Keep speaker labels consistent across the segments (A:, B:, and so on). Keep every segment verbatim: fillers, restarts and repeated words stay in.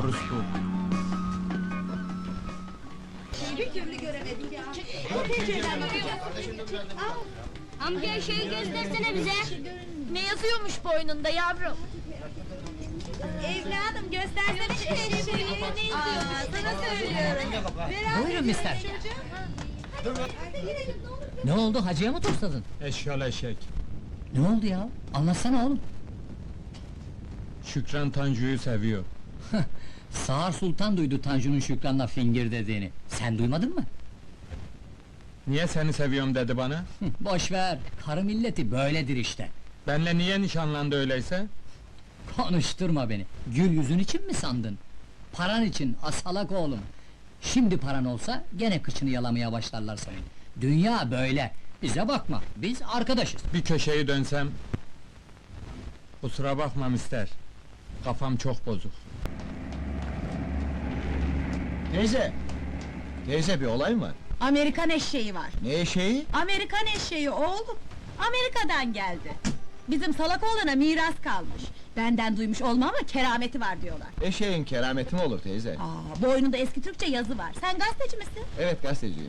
A: orospu.
B: Bir türlü göremedik ya.
C: Amca şeyi göstersene bize. Ne yazıyormuş boynunda yavrum?
B: Evladım göstersene şu eşeği. Aa, sana söylüyorum.
D: Buyurun mister. Ne oldu, hacıya mı tosladın?
A: Eşyal eşek.
D: Ne oldu ya? Anlatsana oğlum.
A: Şükran Tanju'yu seviyor.
D: Sağır Sultan duydu Tanju'nun Şükran'la fingir dediğini. Sen duymadın mı?
A: Niye seni seviyorum dedi bana?
D: Boş ver, karı milleti böyledir işte.
A: Benle niye nişanlandı öyleyse?
D: Konuşturma beni. Gül yüzün için mi sandın? Paran için, asalak oğlum. Şimdi paran olsa, gene kıçını yalamaya başlarlar senin. Dünya böyle. Bize bakma, biz arkadaşız.
A: Bir köşeyi dönsem... Kusura bakma mister. Kafam çok bozuk.
E: Teyze! Teyze bir olay mı var?
B: Amerikan eşeği var.
E: Ne eşeği?
B: Amerikan eşeği oğlum. Amerika'dan geldi. Bizim salak oğlana miras kalmış. Benden duymuş olma ama kerameti var diyorlar.
E: Eşeğin kerameti mi olur teyze?
B: Aa, boynunda eski Türkçe yazı var. Sen gazeteci misin?
E: Evet gazeteciyim.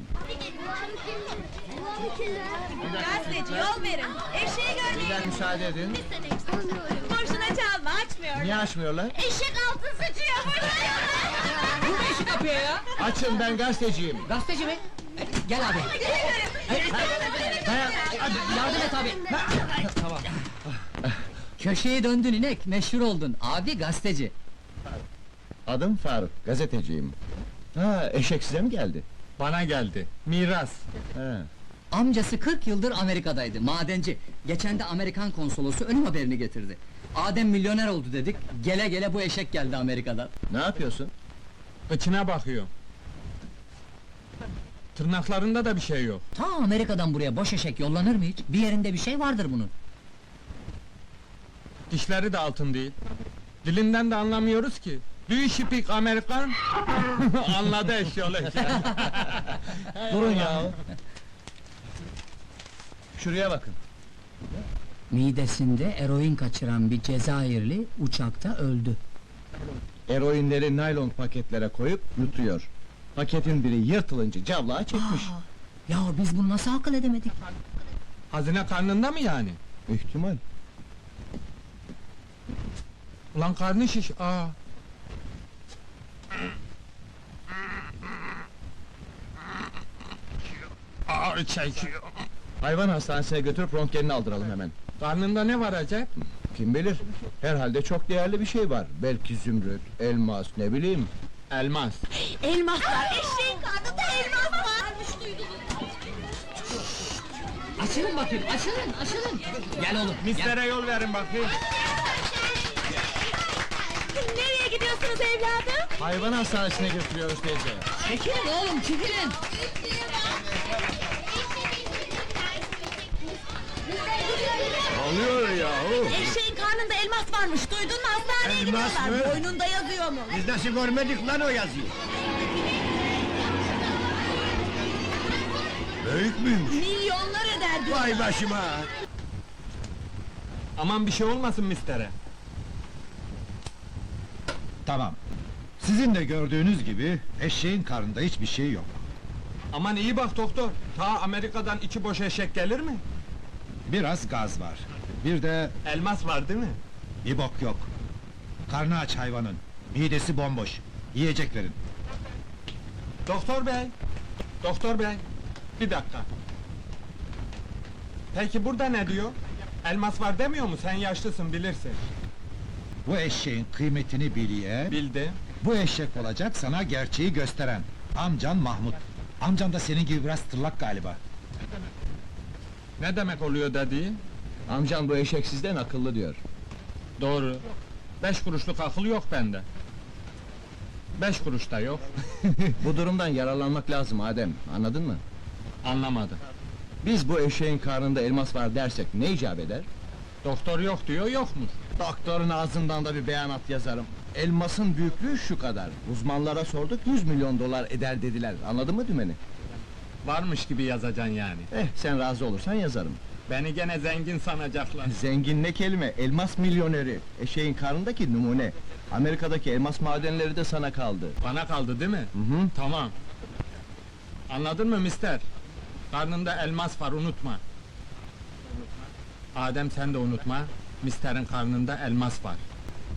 B: Gazeteci, yol verin. Eşeği görmeyin.
E: Biraz müsaade edin.
B: Boşuna çalma, açmıyor.
E: Niye açmıyorlar?
B: Eşek altın sıçıyor burada.
D: Bu ne işi kapıyor ya?
E: Açın, ben gazeteciyim.
D: Gazeteci mi? E, Gel abi. Dayan, hadi yardım et abi. Tamam. Köşeyi döndün inek, meşhur oldun. Abi gazeteci.
E: Adım Faruk, gazeteciyim. Ha, eşek size mi geldi?
A: Bana geldi. Miras.
E: Ha.
D: Amcası kırk yıldır Amerika'daydı, madenci. Geçen de Amerikan konsolosu ölüm haberini getirdi. Adem milyoner oldu dedik, gele gele bu eşek geldi Amerika'dan.
E: Ne yapıyorsun?
A: Kıçına bakıyor. Tırnaklarında da bir şey yok.
D: Ta Amerika'dan buraya boş eşek yollanır mı hiç? Bir yerinde bir şey vardır bunun.
A: Dişleri de altın değil. Dilinden de anlamıyoruz ki. Do you speak American? Anladı eşyal eşek.
E: Durun ya! Şuraya bakın.
D: Midesinde eroin kaçıran bir Cezayirli uçakta öldü.
E: Eroinleri naylon paketlere koyup yutuyor. Paketin biri yırtılınca cavlağa çekmiş.
D: Ya biz bunu nasıl akıl edemedik?
A: Hazine karnında mı yani?
E: İhtimal.
A: Ulan karnı şiş, aa! Ağır çekiyor.
E: Hayvan hastanesine götürüp röntgenini aldıralım hemen.
A: Karnında ne var acep?
E: Kim bilir? Herhalde çok değerli bir şey var. Belki zümrüt, elmas, ne bileyim.
A: Elmas.
B: Elmas var, eşeğin karnında elmas var.
D: Açılın bakayım, açılın, açılın! Gel oğlum, gel!
A: Mistere yol verin bakayım.
B: Nereye gidiyorsunuz evladım?
E: Hayvan hastanesine götürüyoruz teyze.
D: Çekilin oğlum, çekilin!
E: Oluyor yahu!
B: Eşeğin karnında elmas varmış, duydun mu? Hastaneye
E: Elmas
B: gidiyorlar,
E: mı?
B: boynunda yazıyor mu?
E: Biz nasıl görmedik lan o yazıyı? Büyük müymüş?
B: Milyonlar eder diyor.
E: Vay başıma!
A: Aman bir şey olmasın mistere.
F: Tamam. Sizin de gördüğünüz gibi eşeğin karnında hiçbir şey yok.
A: Aman iyi bak doktor. Ta Amerika'dan iki boş eşek gelir mi?
F: Biraz gaz var. Bir de
A: Elmas var değil mi?
F: bir bok yok. Karnı aç hayvanın. Midesi bomboş. Yiyecek verin.
A: Doktor bey. Doktor bey. Bir dakika. Peki burada ne diyor? Elmas var demiyor mu? Sen yaşlısın bilirsin.
F: Bu eşeğin kıymetini biliye,
A: Bildi.
F: bu eşek olacak sana gerçeği gösteren. Amcan Mahmut. Amcan da senin gibi biraz tırlak galiba.
A: Ne demek oluyor dediği?
E: Amcan bu eşek sizden akıllı diyor.
A: Doğru. Beş kuruşluk akıl yok bende. Beş kuruş da yok.
E: Bu durumdan yararlanmak lazım Adem, anladın mı?
A: Anlamadım.
E: Biz bu eşeğin karnında elmas var dersek ne icap eder?
A: Doktor yok diyor, yokmuş.
E: Doktorun ağzından da bir beyanat yazarım. Elmasın büyüklüğü şu kadar. Uzmanlara sorduk, yüz milyon dolar eder dediler. Anladın mı dümeni?
A: Varmış gibi yazacaksın yani.
E: Eh, sen razı olursan yazarım.
A: Beni gene zengin sanacaklar.
E: Zengin ne kelime, elmas milyoneri. Eşeğin karnındaki numune. Amerika'daki elmas madenleri de sana kaldı.
A: Bana kaldı değil mi?
E: Hı hı.
A: Tamam. Anladın mı mister? Karnında elmas var, unutma. Adem sen de unutma, misterin karnında elmas var.